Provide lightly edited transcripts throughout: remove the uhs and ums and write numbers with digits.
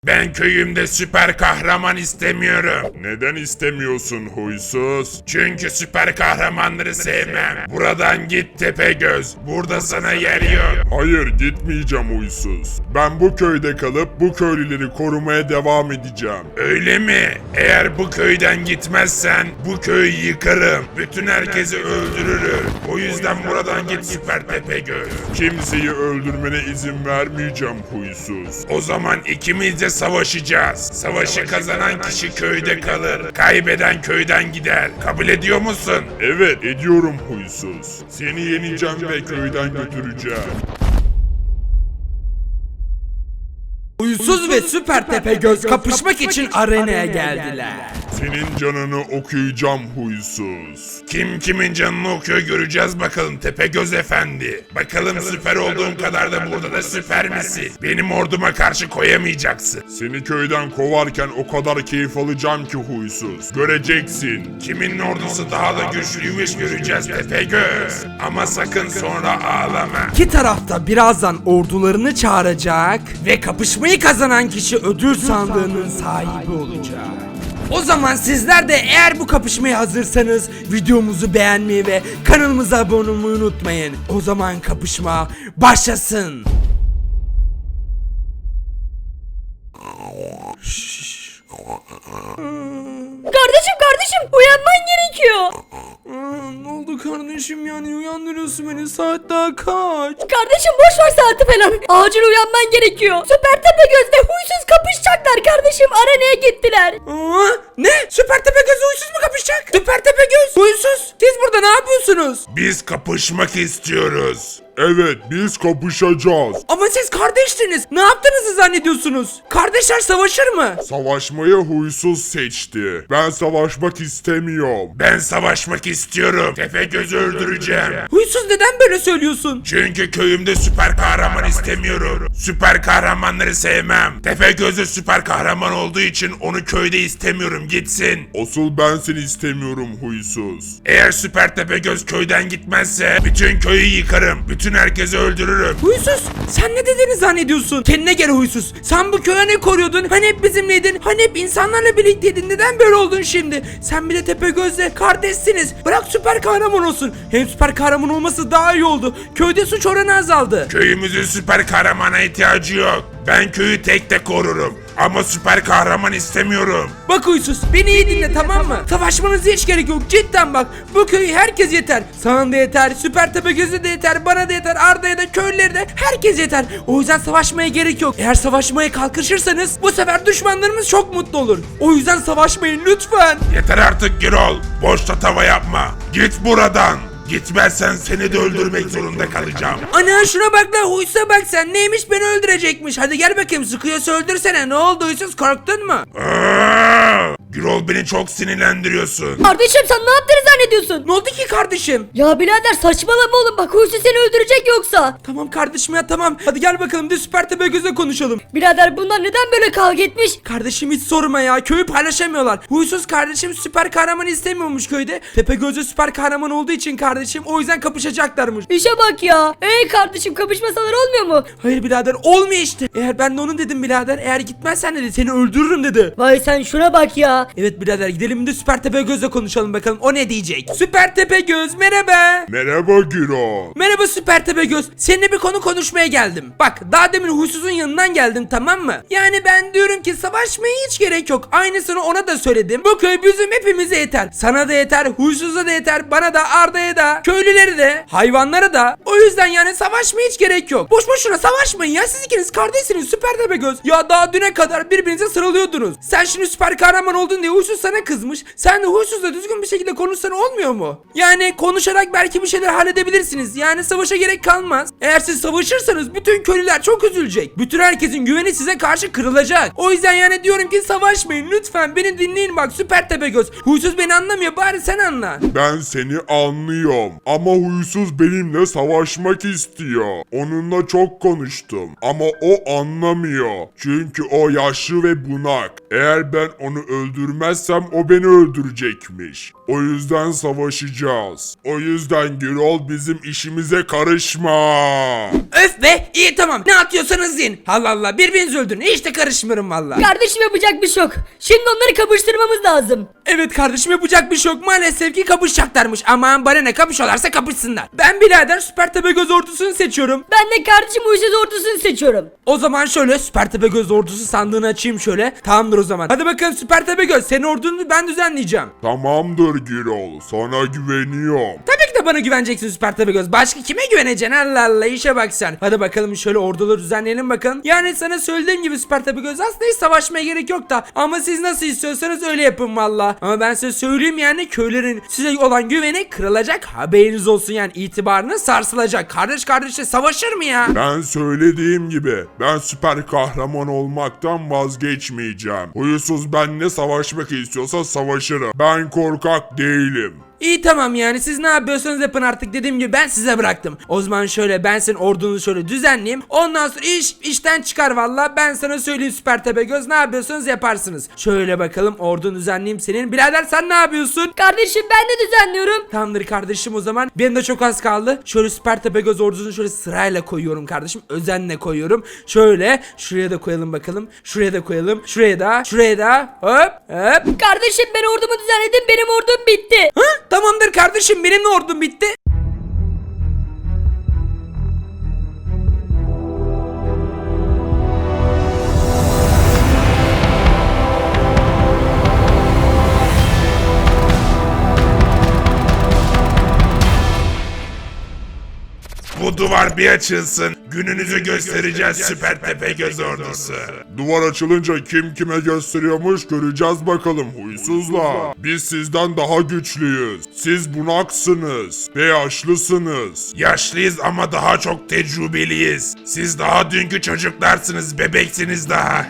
Ben köyümde süper kahraman istemiyorum. Neden istemiyorsun huysuz? Çünkü süper kahramanları sevmem. Buradan git Tepegöz. Burada sana yer yok. Hayır, gitmeyeceğim huysuz. Ben bu köyde kalıp bu köylüleri korumaya devam edeceğim. Öyle mi? Eğer bu köyden gitmezsen bu köyü yıkarım. Bütün herkesi öldürürüm. O yüzden buradan git süper Tepegöz. Kimseyi öldürmene izin vermeyeceğim huysuz. O zaman ikimiz de savaşacağız. Savaşı kazanan kişi köyde kalır. Kaybeden köyden gider. Kabul ediyor musun? Evet, ediyorum huysuz. Seni yeneceğim ve köyden götüreceğim. Huysuz ve Süper Tepegöz kapışmak için arenaya geldiler. Senin canını okuyacağım huysuz. Kim kimin canını okuyor göreceğiz bakalım Tepegöz efendi. Bakalım süper olduğun kadar da burada da süper misin? Benim orduma karşı koyamayacaksın. Seni köyden kovarken o kadar keyif alacağım ki huysuz. Göreceksin. Kimin ordusu daha da güçlüymüş göreceğiz Tepegöz. Ama sakın sonra ağlama. İki tarafta birazdan ordularını çağıracak ve kapışmayı kazanan kişi ödül sandığının sahibi olacak. O zaman sizler de eğer bu kapışmaya hazırsanız videomuzu beğenmeyi ve kanalımıza abone olmayı unutmayın. O zaman kapışma başlasın. Kardeşim uyanman gerekiyor. Ne oldu kardeşim, yani uyandırıyorsun beni, saat daha kaç? Kardeşim boş ver saati falan. Acil uyanman gerekiyor. Süper Tepegöz ve huysuz kapışacaklar kardeşim. Arenaya gittiler. Ne? Süper Tepegöz huysuz mu kapışacak? Süper Tepegöz huysuz. Siz burada ne yapıyorsunuz? Biz kapışmak istiyoruz. Evet, biz kapışacağız. Ama siz kardeşsiniz. Ne yaptığınızı zannediyorsunuz? Kardeşler savaşır mı? Savaşmayı huysuz seçti. Ben savaşmak istemiyorum. Ben savaşmak istiyorum. Tepegöz'ü öldüreceğim. Huysuz, neden böyle söylüyorsun? Çünkü köyümde süper kahraman istemiyorum. Süper kahramanları sevmem. Tepegöz'ü süper kahraman olduğu için onu köyde istemiyorum. Gitsin. Asıl ben seni istemiyorum huysuz. Eğer süper Tepegöz köyden gitmezse bütün köyü yıkarım. Bütün herkesi öldürürüm. Huysuz, sen ne dediğini zannediyorsun? Kendine gel huysuz. Sen bu köye ne koruyordun? Hani hep bizimleydin? Hani hep insanlarla birlikteydin? Neden böyle oldun şimdi? Sen bir de Tepegöz'le kardeşsiniz. Bırak süper kahraman olsun. Hem süper kahraman olması daha iyi oldu. Köyde suç oranı azaldı. Köyümüzün süper kahramana ihtiyacı yok. Ben köyü tek tek korurum. Ama süper kahraman istemiyorum. Bak huysuz, beni iyi dinle, tamam mı? Savaşmanıza hiç gerek yok, cidden bak. Bu köyü herkes yeter. Sana da yeter, Süper Tepegöz'e de yeter, bana da yeter, Arda'ya da, köylülere de, herkes yeter. O yüzden savaşmaya gerek yok. Eğer savaşmaya kalkışırsanız bu sefer düşmanlarımız çok mutlu olur. O yüzden savaşmayın lütfen. Yeter artık Girol. Boşta tava yapma. Git buradan. Gitmezsen seni de öldürmek zorunda kalacağım. Ana şuna bak la, huysuza bak sen, neymiş, beni öldürecekmiş. Hadi gel bakayım, sıkıyorsa öldürsene. Ne oldu huysuz, korktun mu? Girol, beni çok sinirlendiriyorsun. Kardeşim sen ne yaptığını zannediyorsun? Ne oldu ki kardeşim? Ya birader saçmalama oğlum, bak huysuz seni öldürecek yoksa. Tamam kardeşim ya, tamam. Hadi gel bakalım de Süper Tepegöz'le konuşalım. Birader bunlar neden böyle kavga etmiş? Kardeşim hiç sorma ya, köyü paylaşamıyorlar. Huysuz kardeşim süper kahraman istemiyormuş köyde. Tepegöz'de süper kahraman olduğu için kardeşim, o yüzden kapışacaklarmış. İşe bak ya. Kardeşim kapışmasalar olmuyor mu? Hayır birader, olmuyor işte. Eğer ben de onun dedim birader, eğer gitmezsen dedi seni öldürürüm dedi. Vay sen şuna bak ya. Evet birader, gidelim de Süper Tepegöz'le konuşalım bakalım, o ne diyecek. Süper Tepegöz merhaba. Merhaba Giro. Merhaba Süper Tepegöz. Seninle bir konu konuşmaya geldim. Bak daha demin huysuzun yanından geldim, tamam mı? Yani ben diyorum ki savaşmaya hiç gerek yok. Aynısını ona da söyledim. Bu köy bizim hepimize yeter. Sana da yeter, huysuza da yeter, bana da, Arda'ya da, köylülere de, hayvanlara da. O yüzden yani savaşmaya hiç gerek yok. Boş boşuna savaşmayın ya, siz ikiniz kardeşsiniz Süper Tepegöz. Ya daha düne kadar birbirinize sarılıyordunuz. Sen şimdi süper kahraman oldun diye huysuz sana kızmış. Sen de huysuzla düzgün bir şekilde konuşsan olmuyor mu? Yani konuşarak belki bir şeyler halledebilirsiniz. Yani savaşa gerek kalmaz. Eğer siz savaşırsanız bütün köylüler çok üzülecek. Bütün herkesin güveni size karşı kırılacak. O yüzden yani diyorum ki savaşmayın lütfen, beni dinleyin bak Süper Tepegöz. Huysuz beni anlamıyor, bari sen anla. Ben seni anlıyorum ama huysuz benimle savaşmak istiyor. Onunla çok konuştum ama o anlamıyor. Çünkü o yaşlı ve bunak. Eğer ben onu öldürürsem öldürmezsem o beni öldürecekmiş. O yüzden savaşacağız. O yüzden Gürol bizim işimize karışma. Öf be, iyi tamam, ne atıyorsanız yiyin. Allah Allah, birbirinizi öldürün, hiç de karışmıyorum valla. Kardeşim yapacak bir şey yok. Şimdi onları kapıştırmamız lazım. Evet kardeşim, yapacak bir şey yok, maalesef ki kapışacaklarmış. Aman bana ne, kapışıyorlarsa kapışsınlar. Ben birader Süper Tepegöz ordusunu seçiyorum. Ben de kardeşim Huysuz ordusunu seçiyorum. O zaman şöyle Süper Tepegöz ordusu sandığını açayım şöyle. Tamamdır o zaman. Hadi bakalım Süper Tepegöz, senin ordunu ben düzenleyeceğim. Tamamdır Gürol, sana güveniyorum. Tabii ki de bana güveneceksin Süper Tepegöz. Başka kime güveneceksin? Allah Allah, işe bak sen. Hadi bakalım şöyle orduları düzenleyelim bakalım. Yani sana söylediğim gibi Süper Tepegöz, aslında hiç savaşmaya gerek yok da. Ama siz nasıl istiyorsanız öyle yapın valla. Ama ben size söyleyeyim, yani köylerin size olan güveni kırılacak, haberiniz olsun, yani itibarını sarsılacak. Kardeş kardeşle savaşır mı ya? Ben söylediğim gibi ben süper kahraman olmaktan vazgeçmeyeceğim. Huysuz benimle savaşmak istiyorsa savaşırım. Ben korkak değilim. İyi tamam, yani siz ne yapıyorsanız yapın artık, dediğim gibi ben size bıraktım. O zaman şöyle ben senin ordunu şöyle düzenleyeyim. Ondan sonra işten çıkar valla, ben sana söyleyeyim Süper Tepegöz, ne yapıyorsanız yaparsınız. Şöyle bakalım ordunu düzenleyeyim senin. Birader sen ne yapıyorsun? Kardeşim ben de düzenliyorum. Tamamdır kardeşim, o zaman benim de çok az kaldı. Şöyle Süper Tepegöz ordusunu şöyle sırayla koyuyorum kardeşim, özenle koyuyorum. Şöyle şuraya da koyalım bakalım. Şuraya da koyalım. Şuraya da hop hop. Kardeşim ben ordumu düzenledim, benim ordum bitti. Hı? Tamamdır kardeşim, benim de ordum bitti. Bu duvar bir açılsın. Gününüzü göstereceğiz Süper Tepegöz ordusu. Duvar açılınca kim kime gösteriyormuş göreceğiz bakalım huysuzlar. Biz sizden daha güçlüyüz. Siz bunaksınız ve yaşlısınız. Yaşlıyız ama daha çok tecrübeliyiz. Siz daha dünkü çocuklarsınız, bebeksiniz daha.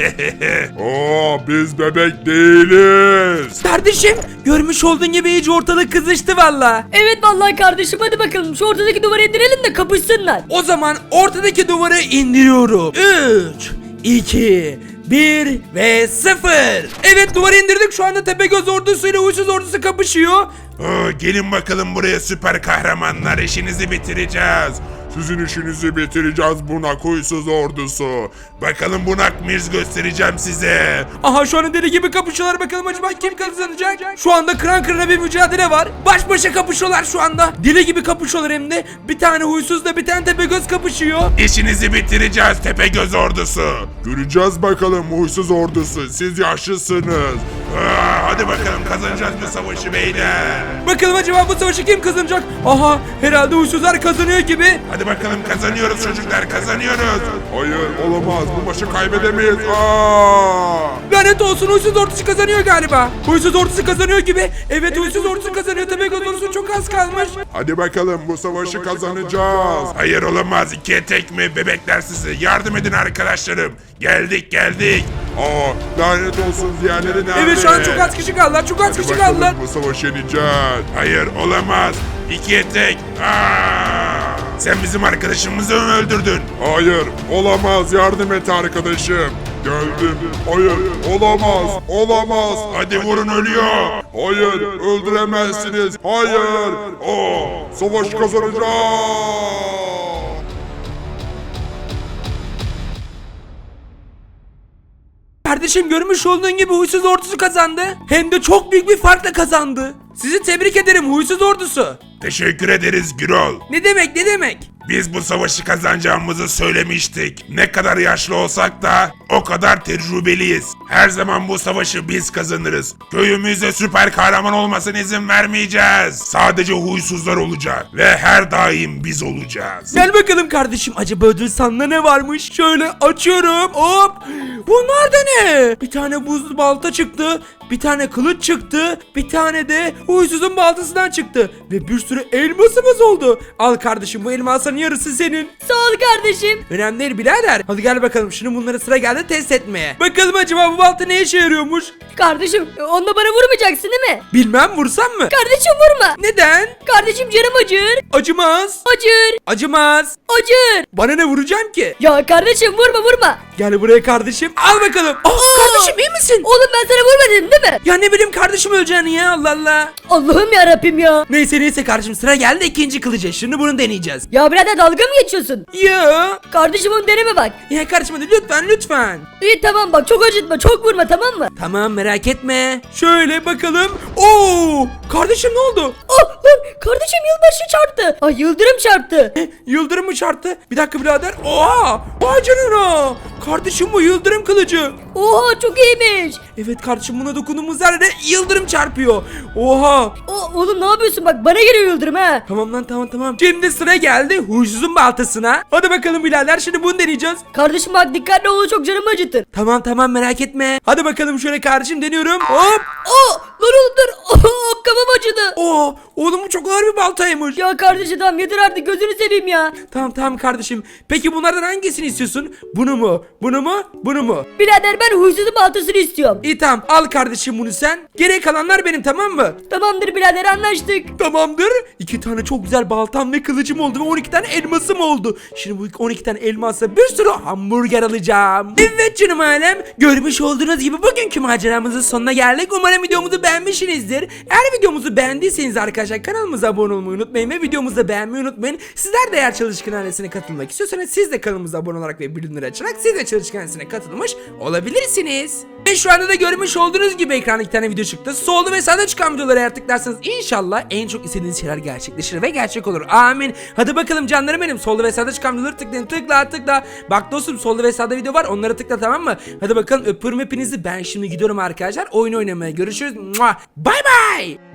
Biz bebek değiliz. Kardeşim, görmüş olduğun gibi iyice ortalık kızıştı valla. Evet vallahi kardeşim, hadi bakalım şu ortadaki duvarı indirelim de kapışsınlar. O zaman ortadaki duvarı indiriyorum. 3, 2, 1 ve 0. Evet, duvarı indirdik, şu anda Tepegöz ordusuyla Huysuz ordusu kapışıyor. Gelin bakalım buraya süper kahramanlar, işinizi bitireceğiz. Sizin işinizi bitireceğiz bunak huysuz ordusu. Bakalım bunak mıyız, göstereceğim size. Aha, şu anda deli gibi kapışıyorlar, bakalım acaba kim kazanacak? Şu anda kıran kırana bir mücadele var. Baş başa kapışıyorlar şu anda. Deli gibi kapışıyorlar hem de. Bir tane Huysuzla bir tane Tepegöz kapışıyor. İşinizi bitireceğiz Tepegöz ordusu. Göreceğiz bakalım huysuz ordusu. Siz yaşlısınız. Hadi bakalım, kazanacağız bu savaşı beyler. Bakalım acaba bu savaşı kim kazanacak? Aha, herhalde Huysuzlar kazanıyor gibi. Hadi bakalım, kazanıyoruz çocuklar, kazanıyoruz. Hayır olamaz, bu maçı kaybedemeyiz. Lanet olsun, Huysuz ordusu kazanıyor galiba. Huysuz ordusu kazanıyor gibi. Evet, Huysuz ordusu kazanıyor. Tepegöz ordusu çok az kalmış. Hadi bakalım bu savaşı kazanacağız. Hayır olamaz, ikiye tek mi bebekler sizi? Yardım edin arkadaşlarım. Geldik. Lanet olsun, diğerleri nerede? Evet, şu an çok az kişi kaldılar. Çok az kişi Bakalım kaldılar. bu savaşı yeneceğiz. Hayır olamaz, ikiye tek. Sen bizim öldürdün. Hayır olamaz, yardım et arkadaşım. Geldim. Hayır olamaz. Hadi vurun, ölüyor. Hayır öldüremezsiniz. Hayır. Savaş kazanacağız. Kardeşim, görmüş olduğun gibi Huysuz ordusu kazandı. Hem de çok büyük bir farkla kazandı. Sizi tebrik ederim Huysuz ordusu. Teşekkür ederiz Gürol. Ne demek? Biz bu savaşı kazanacağımızı söylemiştik. Ne kadar yaşlı olsak da o kadar tecrübeliyiz. Her zaman bu savaşı biz kazanırız. Köyümüzde süper kahraman olmasına izin vermeyeceğiz. Sadece huysuzlar olacak ve her daim biz olacağız. Gel bakalım kardeşim, acaba ödül sandığında ne varmış? Şöyle açıyorum, hop. Bunlar da ne? Bir tane buzlu balta çıktı. Bir tane kılıç çıktı. Bir tane de Huysuz'un baltasından çıktı. Ve bir sürü elmasımız oldu. Al kardeşim, bu elmasların yarısı senin. Sağ ol kardeşim. Önemli değil birader. Hadi gel bakalım, şimdi bunlara sıra geldi test etmeye. Bakalım acaba bu balta ne işe yarıyormuş? Kardeşim onunla bana vurmayacaksın değil mi? Bilmem, vursam mı? Kardeşim vurma. Neden? Kardeşim canım acır. Acımaz. Acır. Acımaz. Acır. Bana ne vuracağım ki? Ya kardeşim vurma. Gel buraya kardeşim. Al bakalım. Kardeşim iyi misin? Oğlum ben sana vurmadım değil mi? Ya ne bileyim kardeşim öleceğini ya, Allah Allah. Allah'ım yarabbim ya. Neyse kardeşim, sıra geldi ikinci kılıca. Şimdi bunu deneyeceğiz. Ya birader dalga mı geçiyorsun? Ya. Kardeşim onu deneme bak. Ya kardeşim hadi lütfen. İyi tamam bak çok acıtma çok vurma tamam mı? Tamam merak etme. Şöyle bakalım. Oo! Kardeşim ne oldu? Oh lan kardeşim yılbaşı çarptı. Ay yıldırım çarptı. Yıldırım mı çarptı? Bir dakika birader. Oha! Vay canına! Kardeşim bu yıldırım kılıcı. Oha çok iyiymiş. Evet kardeşim, buna dokunduğumuz yerde yıldırım çarpıyor. Oha! Oğlum ne yapıyorsun bak bana geliyor yıldırım ha. Tamam lan tamam. Şimdi sıra geldi huysuzun baltasına. Hadi bakalım birader, şimdi bunu deneyeceğiz. Kardeşim bak dikkatli ol çok canımı acıtır. Tamam merak etme. Hadi bakalım şöyle kardeşim, deniyorum. Hop! Lan oğlum dur. Kafam acıdı. Oğlum bu çok ağır bir baltaymış. Ya kardeşim tamam yeter artık gözünü seveyim ya. Tamam kardeşim. Peki bunlardan hangisini istiyorsun? Bunu mu? Bunu mu? Birader ben huysuzun baltasını istiyorum. İyi tamam, al kardeşim bunu sen. Geriye kalanlar benim, tamam mı? Tamamdır birader anlaştık. Tamamdır. 2 tane çok güzel baltam ve kılıcım oldu ve 12 tane elmasım oldu. Şimdi bu 12 tane elmasla bir sürü hamburger alacağım. Evet canım ailem, görmüş olduğunuz gibi bugünkü maceramızın sonuna geldik. Umarım videomuzu beğenmişsinizdir. Eğer videomuzu beğendiyseniz arkadaşlar kanalımıza abone olmayı unutmayın ve videomuzu da beğenmeyi unutmayın. Sizler de eğer Çalışkan Ailesi'ne katılmak istiyorsanız siz de kanalımıza abone olarak ve bildirimleri açarak siz de Çalışkan Ailesi'ne katılmış olabilirsiniz. Ve şu anda da görmüş olduğunuz gibi ekranda 2 tane video çıktı. Solda ve sağda çıkan videoları eğer tıklarsanız inşallah en çok istediğiniz şeyler gerçekleşir ve gerçek olur. Amin. Hadi bakalım canlarım benim. Solda ve sağda çıkan videoları tıklayın. Tıkla. Bak dostum, solda ve sağda video var. Onları tıkla, tamam mı? Hadi bakalım, öpüyorum hepinizi. Ben şimdi gidiyorum arkadaşlar. Oyun oynamaya. Görüşürüz. Bye bye.